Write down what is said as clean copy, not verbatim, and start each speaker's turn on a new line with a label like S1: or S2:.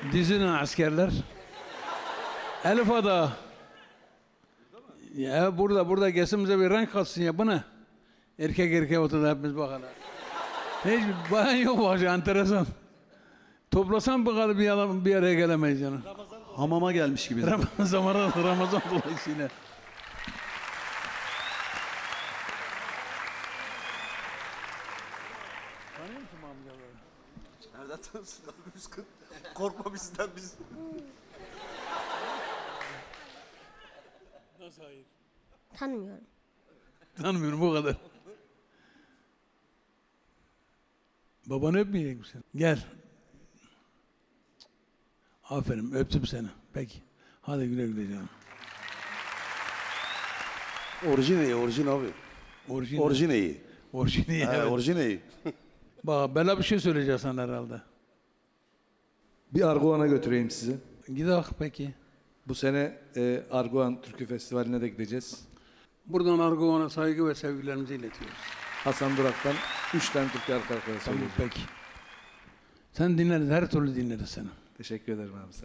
S1: Dizinin askerler. Elif Ada. Ya burada gesimize bir renk katsın ya, bu ne? Erkek oturdu hepimiz bakalım. Hiç bayan yok bak, enteresan. Toplasan bu kadar bir araya gelemeyiz yani.
S2: Hamama gelmiş gibi.
S1: Ramazan dolayısıyla. Tanıyor musun amcaları?
S3: Nereden tanısınlar biz? Korkma bizden biz.
S1: Nasıl hayır?
S4: Tanımıyorum.
S1: Tanımıyorum, bu kadar. Babanı öpmeyecek misin? Gel. Aferin, öptüm seni. Peki. Hadi güle güle canım.
S3: Orijin abi.
S1: Orijin.
S3: Orijineyi.
S1: Orijini, evet.
S3: Orijineyi.
S1: Bak, bela bir şey söyleyeceksin herhalde.
S5: Bir Arguvan'a götüreyim sizi.
S1: Gidelim peki.
S5: Bu sene Arguvan Türkü Festivali'ne de gideceğiz.
S1: Buradan Arguvan'a saygı ve sevgilerimizi iletiyoruz.
S5: Hasan Durak'tan 3 tane türkü arka arkaya
S1: Tamam,
S5: söyleyeceğim.
S1: peki. Sen dinleriz, her türlü dinleriz seni.
S5: Teşekkür ederim abi.